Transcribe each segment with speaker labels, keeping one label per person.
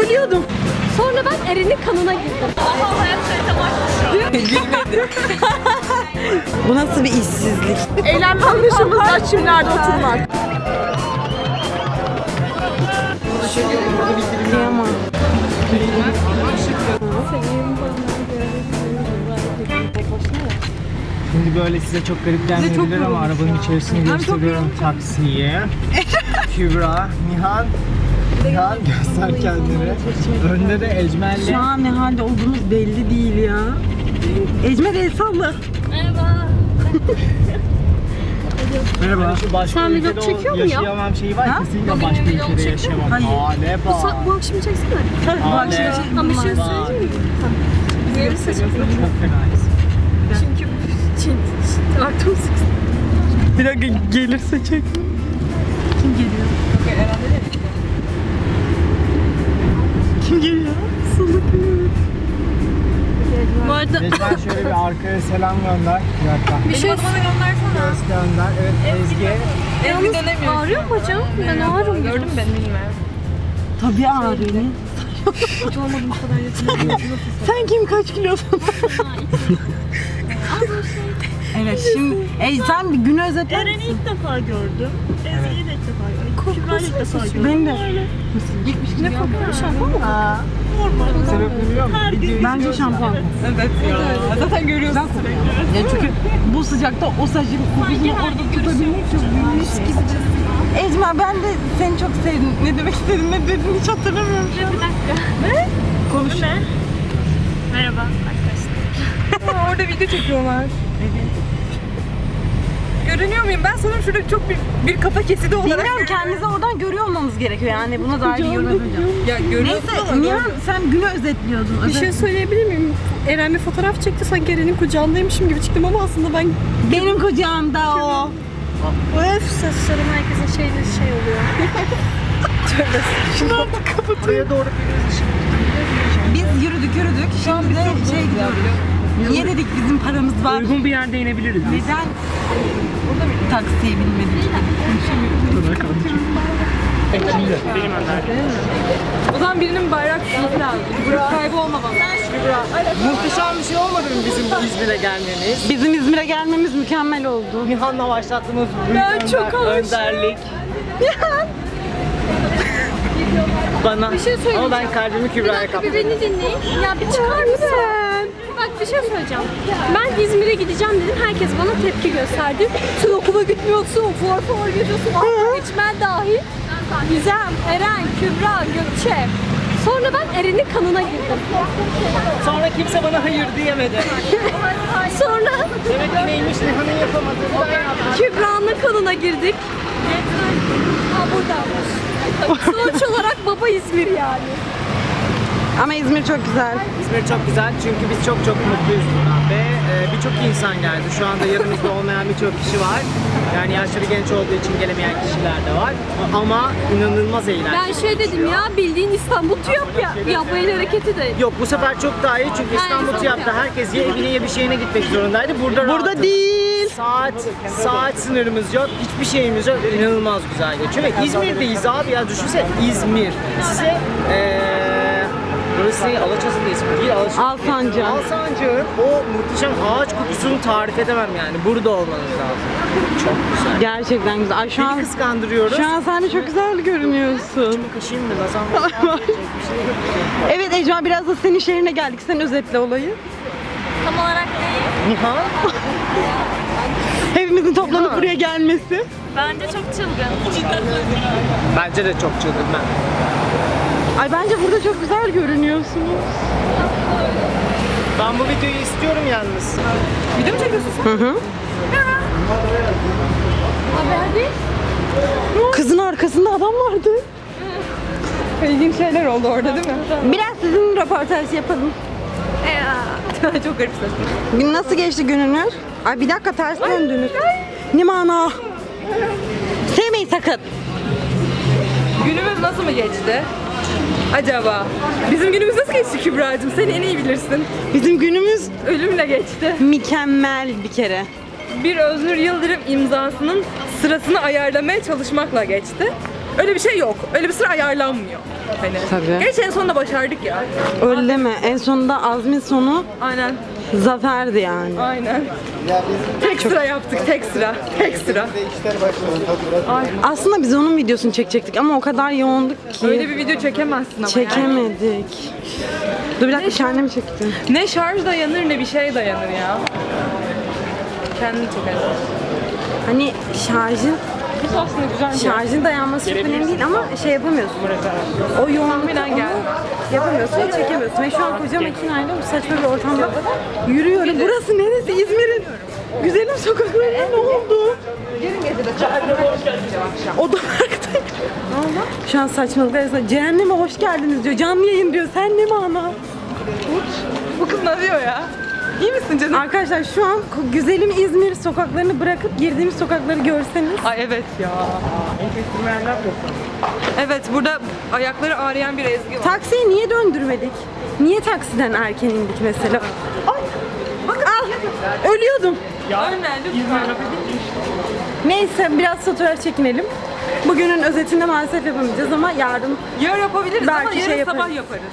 Speaker 1: Ölüyordum. Sonra ben Eren'in kanına girdim.
Speaker 2: Gülmedi. Bu nasıl bir işsizlik?
Speaker 3: Eğlenme anlayışımız da çimlerde oturmak.
Speaker 2: Kıyamam.
Speaker 4: Şimdi böyle size çok garip gelmeyebilir ama arabanın içerisini gösteriyorum taksiye. Kübra, Nihan. Nihan göster kendini. Önde de Ecmel'le.
Speaker 2: Şu an ne halde olduğumuz belli değil ya. Ecmer el salla.
Speaker 4: Merhaba. Şu başka
Speaker 1: Sen
Speaker 4: ülkede
Speaker 1: vlog çekiyor
Speaker 4: o
Speaker 1: mu ya?
Speaker 4: yaşayamam şeyi var.
Speaker 2: Ha?
Speaker 4: Kesinlikle başka ülkede yaşayamam.
Speaker 2: Hayır.
Speaker 4: Aleba.
Speaker 1: Bu akşam çeksene.
Speaker 2: Bu akşam
Speaker 4: Ale.
Speaker 2: için
Speaker 1: Ama bir şey
Speaker 4: Vay.
Speaker 1: söyleyeyim mi? Diğeri seçim.
Speaker 4: Çok fenayız.
Speaker 1: Çünkü artı 18.
Speaker 2: Bir dakika gelirse çek. Kim geliyor? Kim geliyor? Salak.
Speaker 1: Bu arada
Speaker 4: Ecmel şöyle bir arkaya selam gönder. Bir dakika.
Speaker 1: bir şey
Speaker 4: Göz gönder. Evet Ezgi.
Speaker 1: yalnız ağrıyor mu hocam? Ben ağrım. Gördüm ben.
Speaker 2: Tabii ağrıyor.
Speaker 1: Hiç olmadı bu kadar yakın.
Speaker 2: Sen kim kaç kilosun? Evet şimdi sen bir günü özetler misin?
Speaker 5: İlk defa gördüm. Ezgi'yi de ilk defa gördüm. Kübra'yı ilk defa gördüm.
Speaker 2: Beni de.
Speaker 1: Ne kokuyor şampuan mı?
Speaker 4: Sebep biliyor musun?
Speaker 2: Bence şampuan.
Speaker 5: Evet ya. Zaten görüyorsun sürekli.
Speaker 2: Ya çünkü bu sıcakta o saçın kokusunu orada tutabilmek çok büyük bir şey. Ecma ben de seni çok sevdim. Ne demek istedin ne dedin hiç hatırlamıyorum şu an.
Speaker 1: Bir dakika.
Speaker 5: Ne?
Speaker 2: Konuş.
Speaker 5: Ne? Merhaba arkadaşlar. Orada video çekiyorlar. Görünüyor muyum? Ben sanırım şurada çok bir kafa kesidi olarak.
Speaker 2: Bilmiyorum kendinizi oradan görüyor olmamız gerekiyor yani buna dair bir yorum yapacağım.
Speaker 5: Ya görüyorsun
Speaker 2: Neyse
Speaker 5: ama
Speaker 2: Nihan sen günü özetliyordun.
Speaker 3: Bir şey söyleyebilir miyim? Eren bir fotoğraf çekti, sanki Eren'in kucağındaymışım gibi çıktım ama aslında ben...
Speaker 2: Benim kucağımda o.
Speaker 3: Öf!
Speaker 1: Saçlarım herkesin şey oluyor.
Speaker 4: Buraya doğru gidiyoruz.
Speaker 2: Biz yürüdük. Şimdi de şey gidiyoruz. Niye dedik bizim paramız var?
Speaker 5: Uygun bir yerde inebiliriz.
Speaker 2: Neden taksiye binmedik?
Speaker 5: O zaman birinin bayrak tutması lazım. Kaybolmamalı.
Speaker 4: Muhteşem bir şey olmadı mı bizim İzmir'e gelmemiz?
Speaker 2: Bizim İzmir'e gelmemiz mükemmel oldu.
Speaker 4: Nihan'la başlattığımız önderlik. Bana.
Speaker 1: Bir şey söyleyeceğim.
Speaker 4: Ama ben kalbimi
Speaker 1: Bir
Speaker 4: Kübra'ya
Speaker 1: dakika
Speaker 4: kaptım.
Speaker 1: bir beni dinleyin. Ya bir çıkar mısın? Bak bir şey söyleyeceğim. Ben İzmir'e gideceğim dedim. Herkes bana tepki gösterdi. Sen okula gitmiyorsun, for gidiyorsun. İçmen dahil. Gizem, Eren, Kübra, Gökçe. Sonra ben Eren'in kanına girdim.
Speaker 4: Sonra kimse bana hayır diyemedi.
Speaker 1: Sonra
Speaker 4: Demek ki neymiş Nihan'ın yapamadığı ben yaptım.
Speaker 1: Kübra'nın kanına girdik. Ha buradaymış. Sonuç olarak baba İzmir yani.
Speaker 2: Ama İzmir çok güzel.
Speaker 4: İzmir çok güzel çünkü biz çok mutluyuz buradan ve birçok insan geldi. Şu anda yanımızda olmayan birçok kişi var. Yani yaşları genç olduğu için gelemeyen kişiler de var. Ama inanılmaz eğlenceli.
Speaker 1: Ben şey dedim ya, bildiğin İstanbul TÜYAP ya. Ya bu el hareketi de.
Speaker 4: Yok bu sefer çok daha iyi çünkü İstanbul TÜYAP'ta herkes ya evine ya bir şeyine gitmek zorundaydı. Burada rahatız.
Speaker 2: değil.
Speaker 4: Saat sınırımız yok, hiçbir şeyimiz yok. İnanılmaz güzel geçiyor ve İzmir'deyiz abi ya düşünsene İzmir. Size burası Alaçatı ismi değil,
Speaker 2: Alsancak.
Speaker 4: Alsancak'ın o muhteşem ağaç kokusunu tarif edemem yani. Burada olmanız lazım. Çok güzel.
Speaker 2: Gerçekten güzel. Ay,
Speaker 4: Seni kıskandırıyoruz.
Speaker 2: şu an sen de çok güzel görünüyorsun.
Speaker 4: Kaşıyım mı? Nazan var.
Speaker 2: Evet Ecma biraz da senin şehrine geldik. Sen özetle olayı.
Speaker 1: Tam olarak değil.
Speaker 4: Nihan.
Speaker 2: Hepimizin toplanıp buraya gelmesi.
Speaker 5: Bence çok çılgın.
Speaker 4: Bence de çok çılgın ben.
Speaker 2: Ay bence burada çok güzel görünüyorsunuz.
Speaker 4: Ben bu videoyu istiyorum yalnız.
Speaker 5: Video mu çekiyorsun sen?
Speaker 2: Hı hı.
Speaker 1: Haber değil.
Speaker 2: Kızın arkasında adam vardı.
Speaker 5: İlginç şeyler oldu orada değil mi?
Speaker 2: Biraz sizin röportaj yapalım.
Speaker 5: Çok garip saçma.
Speaker 2: Gün nasıl geçti gününüz? Ay bir dakika ters döndünüz. Ne mana? Sevmeyin sakın.
Speaker 5: Günümüz nasıl mı geçti? Acaba? Bizim günümüz nasıl geçti Kübra'cığım? Sen en iyi bilirsin.
Speaker 2: Bizim günümüz
Speaker 5: Ölümle geçti.
Speaker 2: mükemmel bir kere.
Speaker 5: Bir Öznur Yıldırım imzasının sırasını ayarlamaya çalışmakla geçti. Öyle bir şey yok. Öyle bir sıra ayarlanmıyor. Hani.
Speaker 2: Tabii.
Speaker 5: Gerçi en sonunda başardık ya.
Speaker 2: Öyle deme. En sonunda Azmin sonu
Speaker 5: Aynen.
Speaker 2: zaferdi yani.
Speaker 5: Aynen. Tek sıra yaptık. Tek sıra. Tek sıra.
Speaker 2: Aslında biz onun videosunu çekecektik ama o kadar yoğunduk ki
Speaker 5: Öyle bir video çekemezsin ama.
Speaker 2: çekemedik. Dur bir dakika kendimi çektim.
Speaker 5: Ne şarj dayanır ne bir şey dayanır ya. Kendini çeker.
Speaker 2: Hani şarjın
Speaker 5: Bu aslında güzel.
Speaker 2: şarjın dayanması çok önemli değil ama şey yapamıyorsun. O yoğunluktan
Speaker 5: geldi.
Speaker 2: yapamıyorsun, çekemiyorsun. Ve şu an koca makinayla bu saçma bir ortamda yürüyorum. Burası neresi? İzmir'in güzelim sokaklarına ne oldu? Otoparktayım. Ne oldu? Şu an saçmalıklar arasında cehenneme hoş geldiniz diyor. Canlı yayın diyor. Sen ne mana?
Speaker 5: Bu kız ne diyor ya? İyi misin canım?
Speaker 2: Arkadaşlar şu an güzelim İzmir sokaklarını bırakıp girdiğimiz sokakları görseniz.
Speaker 5: Ay evet ya. Evet burada ayakları ağrıyan bir Ezgi var.
Speaker 2: Taksiyi niye döndürmedik? Niye taksiden erken indik mesela? Ay! Bak al! Ölüyordum.
Speaker 5: Ölme lütfen.
Speaker 2: Neyse biraz fotoğraf çekinelim. Bugünün özetinde maalesef yapamayacağız ama yarın
Speaker 5: Yarın yapabiliriz ama
Speaker 2: Belki
Speaker 5: yarın
Speaker 2: şey
Speaker 5: sabah
Speaker 2: yaparız.
Speaker 5: yaparız.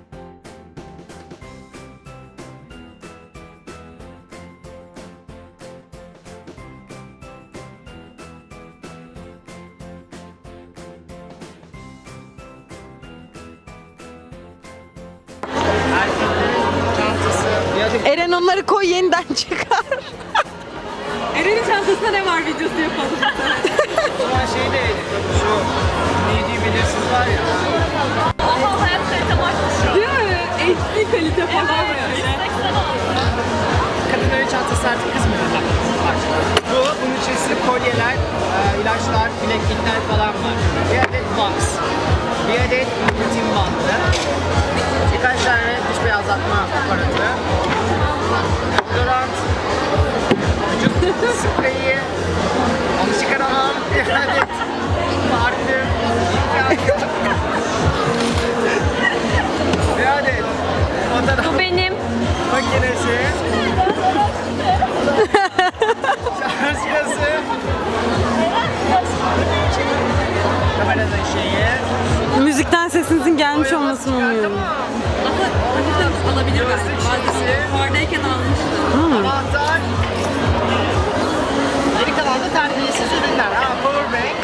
Speaker 4: Çantası. Ya da
Speaker 2: Eren onları koy yeniden çıkar.
Speaker 5: Eren'in çantasında ne var videosu yapalım.
Speaker 4: o zaman şey de şu neydi bilirsiniz var ya.
Speaker 1: Oha hayat kalitem artmış ya.
Speaker 5: Değil mi? HD kalite falan böyle.
Speaker 1: 180 oldu.
Speaker 4: Kadınların çantası artık kız mı? Bu, bunun içerisinde kolyeler, ilaçlar, bileklikler falan var. Bir adet box, bir adet rutin bandı, birkaç tane diş beyazlatma aparatı, deodorant, vücut spreyi, onu çıkaramam, bir adet parfüm, bir adet fotoğraf
Speaker 1: Bu benim.
Speaker 4: makinesi, şarj cihazı, kameranın şeyi,
Speaker 2: Müzikten sesinizin gelmiş olmasını umuyorum.
Speaker 5: Hafiften alabilir
Speaker 4: gözlük
Speaker 5: Vardayken almıştım.
Speaker 4: anahtar, geri kalan da terbiyesiz ürünler. Ha, powerbank,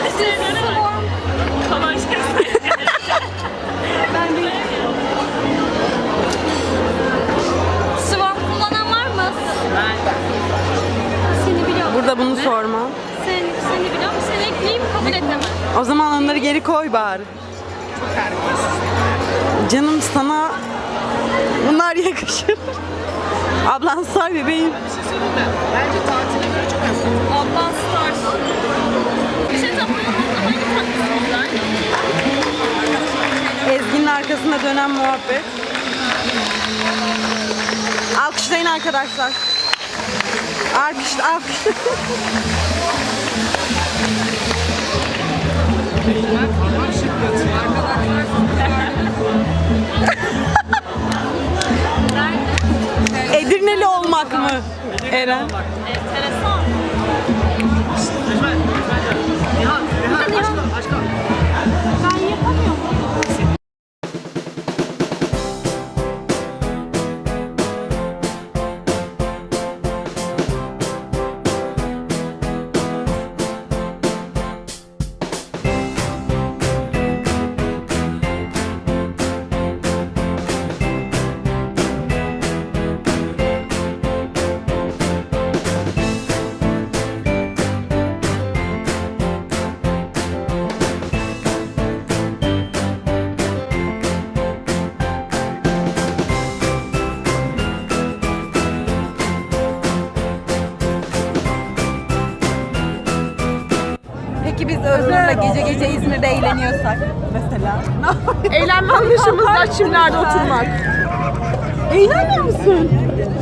Speaker 1: Swarm kullanan var mı?
Speaker 4: ben
Speaker 1: Seni biliyorum.
Speaker 2: Burada bunu sorma.
Speaker 1: Seni biliyorum. Seni ekleyeyim kabul etmem.
Speaker 2: O zaman onları geri koy bari.
Speaker 4: terbiyesiz.
Speaker 2: Canım sana bunlar yakışır. Ablan say bebeğim.
Speaker 4: Bir şey söyleyeyim mi? Bence tatile göre çok az.
Speaker 1: Ablan Stars. Bir şey tapıyorum. Hangi tatlısın
Speaker 2: Ezgi'nin arkasında dönen muhabbet. Alkışlayın arkadaşlar. Alkış. Edirneli olmak mı? Eren.
Speaker 1: Enteresan.
Speaker 4: Nihan, aşkım.
Speaker 1: Ben yapamıyorum.
Speaker 2: Peki biz Özgür'le gece İzmir'de eğleniyorsak mesela?
Speaker 3: Eğlenme anlayışımız da çimlerde oturmak.
Speaker 2: Eğlenmiyor musun?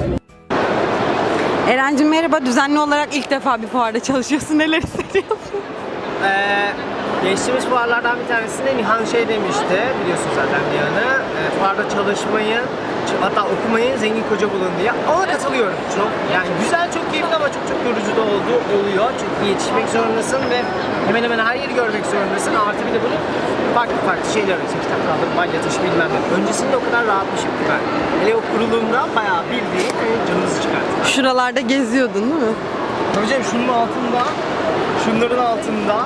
Speaker 2: Eren'cim merhaba. Düzenli olarak ilk defa bir fuarda çalışıyorsun. Neler hissediyorsun?
Speaker 4: Geçtiğimiz fuarlardan bir tanesinde Nihan şey demişti, biliyorsun zaten Nihan'ı. Fuarda çalışmayın, hatta okumayın, zengin koca bulun diye. Ona katılıyorum çok. Yani güzel, çok keyifli ama çok yorucu da olduğu oluyor. Çünkü yetişmek zorundasın ve hemen hemen her yeri görmek zorundasın. Artı bir de bunu farklı şeyler arıyorsun. Kitap kaldır, balya taşı bilmem ne. Öncesinde o kadar rahatmışım ki ben. Hele o kuruluğumda bayağı bildiğin canınızı çıkarttı.
Speaker 2: Şuralarda geziyordun değil mi?
Speaker 4: Tabii canım şunun altında, şunların altında.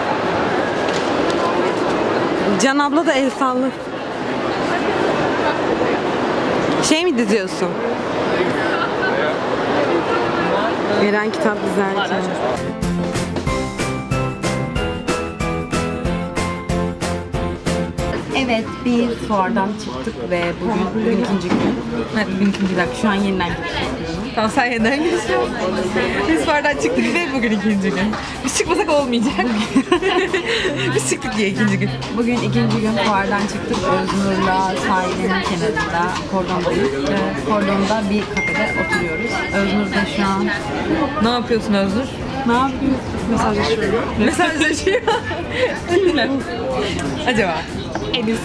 Speaker 2: Can abla da el sallı. Şey mi diziyorsun? Eren kitap dizerken. Evet, biz fuardan çıktık ve bugün ikinci gün. Evet, bugün ikinci dakika. Şu an yeniden gidiyoruz.
Speaker 5: Tamam sen yeniden geçiyorsun. Biz fuardan çıktık ve bugün ikinci gün. Biz çıkmasak olmayacak. Biz çıktık diye ikinci gün.
Speaker 2: Bugün ikinci gün fuardan çıktık. Öznur'la sahilin kenarında kordondayız. Kordonda bir kafede oturuyoruz. Öznur da şu an
Speaker 5: Ne yapıyorsun Özgür?
Speaker 2: ne yapıyorsun? Mesajlaşıyorum.
Speaker 5: Mesajlaşıyor. Kimle? Acaba?
Speaker 2: Ediz.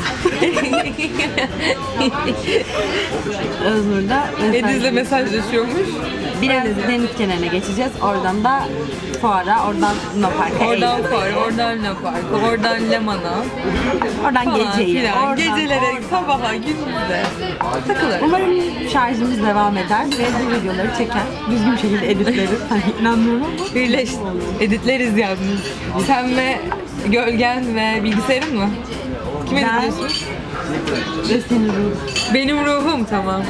Speaker 2: Öznur da
Speaker 5: Ediz'le mesajlaşıyormuş.
Speaker 2: biraz deniz kenarına geçeceğiz. Oradan da fuara, oradan Luna Park'a.
Speaker 5: Oradan
Speaker 2: eğleneceğiz.
Speaker 5: fuar, oradan Luna Park'a, oradan Leman'a.
Speaker 2: Oradan
Speaker 5: Falan
Speaker 2: geceye.
Speaker 5: filan.
Speaker 2: Oradan
Speaker 5: Gecelere, sabaha, gündüze takılır.
Speaker 2: Umarım şarjımız devam eder ve bu videoları çeker. Düzgün bir şekilde editleriz. Hani inanmıyorum ama.
Speaker 5: Birleş, editleriz yalnız. Sen ve gölgen ve bilgisayarın mı? Kim
Speaker 2: Ben
Speaker 5: editliyorsun?
Speaker 2: ve senin ruhun.
Speaker 5: Benim ruhum, tamam.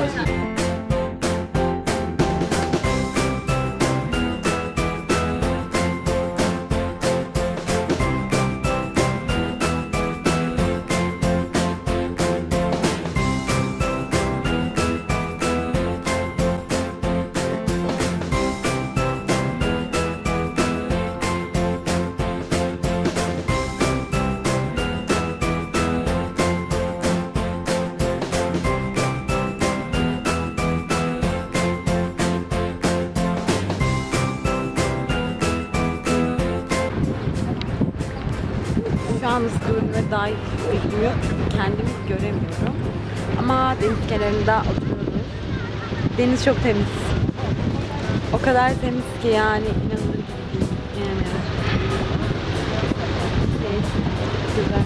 Speaker 2: Şu an ıskırına dair bilmiyorum. Kendimi göremiyorum. Ama deniz kenarında oturuyoruz. Deniz çok temiz. O kadar temiz ki yani inanılır gibi değil. Yani. Güzel.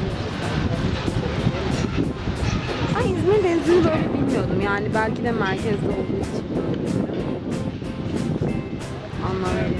Speaker 2: Ben İzmir denizini böyle bilmiyordum. Yani belki de merkezde olduğu için. Anlam veriyorum.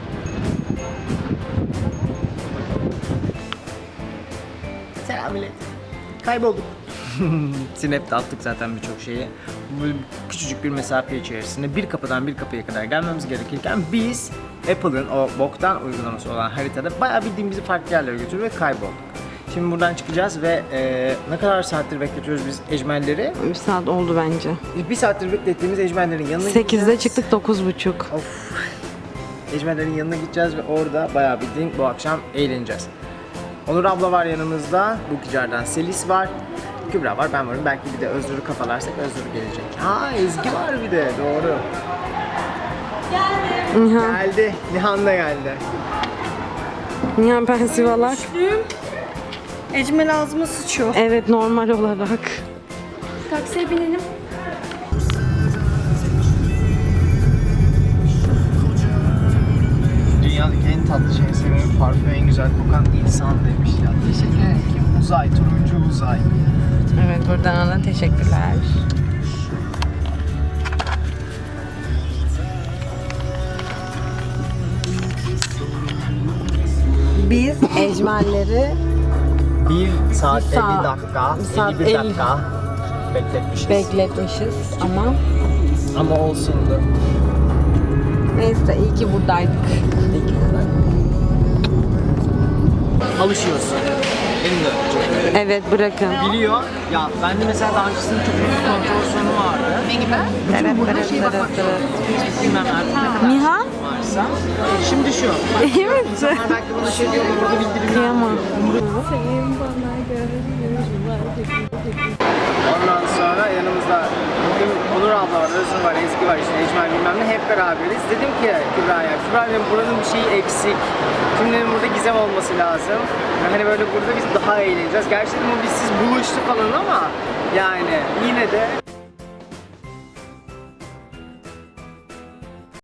Speaker 4: Selam millet. Kaybolduk. Snap'te attık zaten birçok şeyi. Bu küçücük bir mesafe içerisinde bir kapıdan bir kapıya kadar gelmemiz gerekirken biz Apple'ın o boktan uygulaması olan haritada bayağı bildiğim bizi farklı yerlere götürdü ve kaybolduk. Şimdi buradan çıkacağız ve ne kadar saattir bekletiyoruz biz ecmelleri?
Speaker 2: Bir saat oldu bence.
Speaker 4: Bir saattir beklettiğimiz ecmellerin yanına gideceğiz.
Speaker 2: 8'de çıktık 9.30.
Speaker 4: Of. Ecmellerin yanına gideceğiz ve orada bayağı bildiğin bu akşam eğleneceğiz. Onur abla var yanımızda, Bukicar'dan Selis var, Kübra var, ben varım. Belki bir de Özgür'ü kafalarsak Özgür gelecek. Ha, Ezgi var bir de, doğru.
Speaker 2: Nihan.
Speaker 4: Geldi, Nihan da geldi.
Speaker 2: Nihan pensivalak.
Speaker 3: Ecmel ağzıma sıçıyor.
Speaker 2: Evet, normal olarak.
Speaker 1: Taksiye binelim.
Speaker 4: Dünyadaki en tatlı şeyi seviyorum, parfüm en güzel kokan insan demiş ya. Teşekkür ederim. Uzay, turuncu uzay.
Speaker 5: Evet, buradan da teşekkürler.
Speaker 2: Biz ecmelleri
Speaker 4: 1 saat
Speaker 2: Bir saat-
Speaker 4: 50 dakika,
Speaker 2: bir saat
Speaker 4: 51
Speaker 2: 50
Speaker 4: dakika bekletmişiz.
Speaker 2: bekletmişiz ama
Speaker 4: olsundu.
Speaker 2: neyse iyi ki buradaydık.
Speaker 4: Alışıyorsun. Benim de öyle.
Speaker 2: Evet, bırakın.
Speaker 4: Biliyor. Ya ben de mesela daha öncesinde çok büyük kontrol sorunu vardı. Ne gibi?
Speaker 2: Evet,
Speaker 4: Burada
Speaker 2: evet,
Speaker 4: şey
Speaker 2: evet,
Speaker 4: bakmak
Speaker 2: evet.
Speaker 4: Hiç bilmem artık ne kadar
Speaker 2: Nihan?
Speaker 4: varsa. Şimdi şu. Bak,
Speaker 2: İyi misin?
Speaker 4: insanlar belki bana şey diyor, burada bildirim
Speaker 2: Kıyamam.
Speaker 4: Ondan sonra yanımızda bugün Onur abla var, Özgür var, Ezgi var, işte Ecmel bilmem ne, hep beraberiz. Dedim ki Kübra'ya, Kübra dedim buranın bir şeyi eksik. Şimdi dedim burada gizem olması lazım. Yani hani böyle burada biz daha eğleneceğiz. Gerçi dedim o biz siz buluştuk falan ama yani yine de